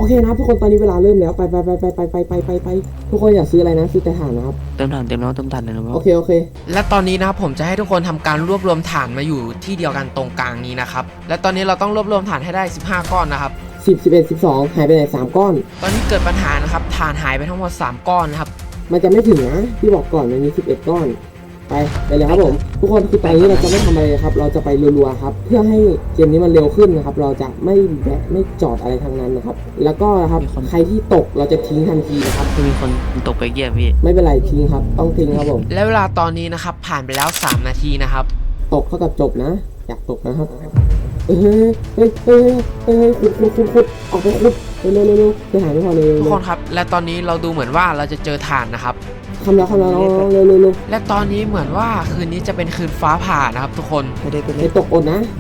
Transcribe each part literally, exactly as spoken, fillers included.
เคนะครับทุกคนตอนนี้เวลาเริ่มแล้วไปไปไปไปไปไปไปไปไปทุกคนอยากซื้ออะไรนะซื้อแต่ถ่านนะครับเติมถ่านเต็มแล้วเติมถ่านเลยนะโอเคโอเคและตอนนี้นะครับผมจะให้ทุกคนทำการรวบรวมถ่านมาอยู่ที่เดียวกันตรงกลางนี้นะครับและตอนนี้เราต้องรวบรวมถ่านให้ได้สิบห้าก้อนนะครับสิบ สิบเอ็ด สิบสองหายไปไหนสามก้อนตอนนี้เกิดปัญหานะครับถ่านหายไปทั้งหมดสามก้อนนะครับมันจะไม่ถึงนะพี่บอกก่อนมันมีสิบเอ็ดก้อนไปไปเลยครับผมทุกคนคือตอนนี้เราจะไม่ทำอะไรครับเราจะไปรัวๆครับเพื่อให้เกมนี้มันเร็วขึ้นนะครับเราจะไม่แวะไม่จอดอะไรทั้งนั้นนะครับแล้วก็นะครับใครที่ตกเราจะทิ้งทันทีนะครับมีคนตกไปเยี่ยมพี่ไม่เป็นไรทิ้งครับต้องทิ้งครับผมและเวลาตอนนี้นะครับผ่านไปแล้วสามนาทีนะครับตกเท่ากับจบนะอยากตกนะครับเฮ้ยเฮ้ยเฮ้ยเฮ้ยขุดขุดขุดขุดออกไปขุดเร็วเร็วเร็วไปหาไม่พอเลยทุกคนครับและตอนนี้เราดูเหมือนว่าเราจะเจอถ่านนะครับคำแล้วคำแล้วน้องเร็วเร็วเร็วและตอนนี้เหมือนว่าคืนนี้จะเป็นคืนฟ้าผ่านะครับทุกคนไม่ได้ไปไปตกอดนะ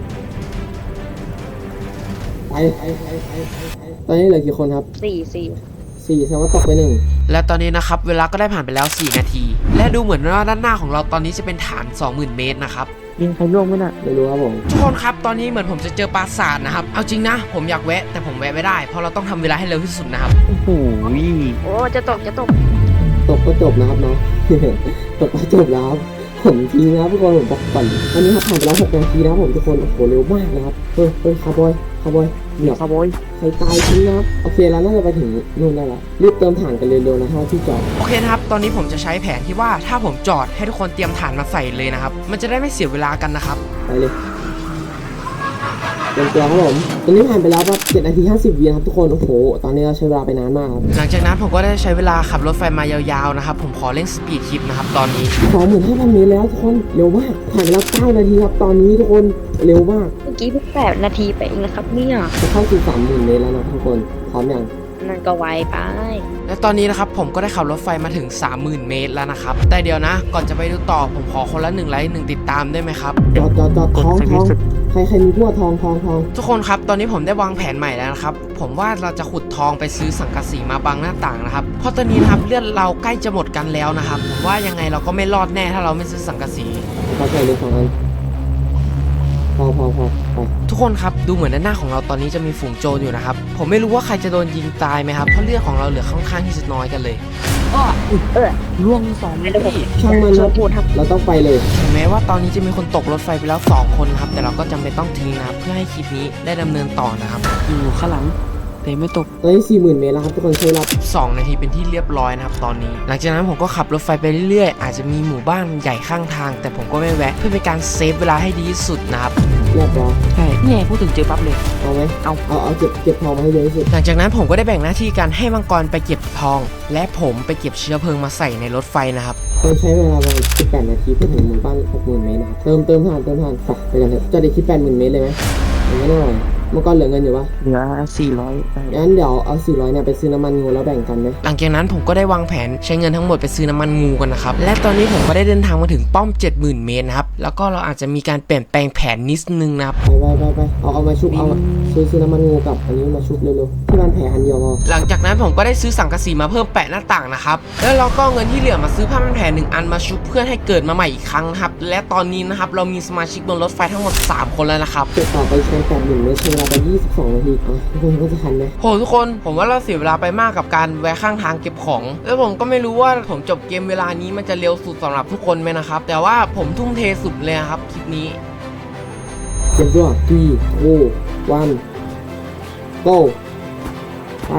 ไปตอนนี้เหลือกี่คนครับสี่สี่สี่แสดงว่าตกไปหนึ่งและตอนนี้นะครับเวลาก็ได้ผ่านไปแล้วสี่นาทีและดูเหมือนว่าด้านหน้าของเราตอนนี้จะเป็นฐาน สองหมื่น เมตรนะครับยิงใครล่วงไหมน่ะไม่รู้ครับผมทุกคนครับตอนนี้เหมือนผมจะเจอปราสาทนะครับเอาจริงนะผมอยากแวะแต่ผมแวะไม่ได้เพราะเราต้องทำเวลาให้เร็วที่สุดนะครับโอ้โหโอ้จะตกจะตกตกก็จบนะครับเนาะตกก็จบแล้วครับผมทีนะครับทุกคนผมบอกก่อนวันนี้ครับผ่านไปแล้วหกนาทีแล้วผมทุกคนโอ้โหเร็วมากนะครับเฮ้ยเฮ้ยคาร์บอยคาร์บอยเดี๋ยวคาร์บอยใครตายทิ้งนะครับโอเคแล้วน่าจะไปถึงนู่นได้แล้วรีบเติมถ่านกันเร็วๆนะฮะที่จอดโอเคนะครับตอนนี้ผมจะใช้แผนที่ว่าถ้าผมจอดให้ทุกคนเตรียมถ่านมาใส่เลยนะครับมันจะได้ไม่เสียเวลากันนะครับไปเลยเตรียมตัวครับผมตอนนี้ผ่านไปแล้วครับเจ็ดนาทีห้าสิบวิครับทุกคนโอ้โหตอนนี้เราใช้เวลาไปนานมากครับหลังจากนั้นผมก็ได้ใช้เวลาขับรถไฟมายาวๆนะครับผมขอเร่งสปีดคลิปนะครับตอนนี้สองหมื่นห้าพันเมตรแล้วทุกคนเร็วมากผ่านไปแล้วเก้านาทีครับตอนนี้ทุกคนเร็วมากเมื่อกี้เพิ่งแปดนาทีไปเองนะครับเนี่ยจะเข้าสู่สามหมื่นเมตรแล้วนะทุกคนพร้อมยังนั่นก็ไวไปและตอนนี้นะครับผมก็ได้ขับรถไฟมาถึง สามหมื่น เมตรแล้วนะครับแต่เดี๋ยวนะก่อนจะไปดูต่อผมขอคนละหนึ่งไลค์หนึ่งติดตามได้ไหมครับจอดจอดจอดทองทองใครใครมีพวกทองทองทองทุกคนครับตอนนี้ผมได้วางแผนใหม่แล้วนะครับผมว่าเราจะขุดทองไปซื้อสังกะสีมาบังหน้าต่างนะครับเพราะตอนนี้นะครับเลือดเราใกล้จะหมดกันแล้วนะครับผมว่ายังไงเราก็ไม่รอดแน่ถ้าเราไม่ซื้อสังกะสีพอใส่เลยสองอันพอพอพอพอทุกคนครับดูเหมือนด้านหน้าของเราตอนนี้จะมีฝูงโจรอยู่นะครับผมไม่รู้ว่าใครจะโดนยิงตายไหมครับเพราะเลือดของเราเหลือค่อนข้างที่จะน้อยกันเลยอ้อเออล่วงสองไม่ได้ผมช่างมันครับเราต้องไปเลยถึงแม้ว่าตอนนี้จะมีคนตกรถไฟไปแล้วสองคนครับแต่เราก็จำเป็นต้องทิ้งนะครับเพื่อให้คลิปนี้ได้ดำเนินต่อนะครับอยู่ข้างหลังแต่ไม่ตกตอนนี้สี่หมื่นเมตรแล้วครับทุกคนใช้เวลาสองนาทีเป็นที่เรียบร้อยนะครับตอนนี้หลังจากนั้นผมก็ขับรถไฟไปเรื่อยๆอาจจะมีหมู่บ้านใหญ่ข้างทางแต่ผมก็ไม่แวะเพื่อเป็นการเซฟเวลาให้ดีที่สุดนะครับเรียบร้อยใช่เนี่ยพูดถึงเจอปั๊บเลยเอาไหมเอาเอาเอาเก็บเก็บทองมาให้เยอะที่สุดหลังจากนั้นผมก็ได้แบ่งหน้าที่การให้มังกรไปเก็บทองและผมไปเก็บเชื้อเพลิงมาใส่ในรถไฟนะครับต้องใช้เวลาประมาณสิบแปดนาทีเพื่อถึงหมู่บ้านหกหมื่นเมตรนะครับเติมเติมผ่านเติมผ่านไปไปกันเถอะจะได้คิดแปดหมื่นเมตรเลยไหมอย่างนั้นหน่อยเมื่อก่อนเหลือเงินอยู่ปะเหลือสี่ร้อยงั้นเดี๋ยวเอาสี่ร้อยเนี่ยไปซื้อน้ำมันงูแล้วแบ่งกันไหมหลังจากนั้นผมก็ได้วางแผนใช้เงินทั้งหมดไปซื้อน้ำมันงูกันนะครับและตอนนี้ผมก็ได้เดินทางมาถึงป้อม เจ็ดหมื่น เมตรนะครับแล้วก็เราอาจจะมีการเปลี่ยนแปลงแผนนิดนึงนะครับไปไปไปไปเอาเอามาชุบเอาซื้อซื้อน้ำมันงูกับอันนี้มาชุบเร็วๆที่บ้านแผลอันเดียวพอหลังจากนั้นผมก็ได้ซื้อสังกะสีมาเพิ่มแปะหน้าต่างนะครับแล้วเราก็เงินที่เหลือมาซื้อผ้าพันแผลหนึ่งอันมาชุบเพื่อให้เกิดมาใหม่อีกครั้งครับและตอนนี้นะครับเรามีสมาชิกบนรถไฟทั้งหมดสามคนแล้วนะครับเก็บต่อไปใช้แปดหมื่นเมตรใช้เวลาไปยี่สิบสองนาทีอ่ะทุกคนก็จะทันไหมโหทุกคนผมว่าเราเสียเวลาไปมากกับการแวะข้างทางเก็บของแล้วผมก็ไม่รู้ว่าผมจบเกมเวลานี้มันจะเร็วสุดสำหรับทุกคนไหมนะครับแต่ว่าผมทุ่มเทสุดเลยครับคลิปนี้เตรียมตัวสี่โอ้วันโก้ไป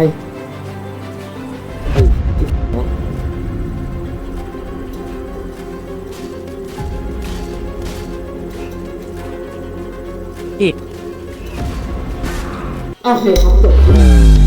อีกโอเคครับจบ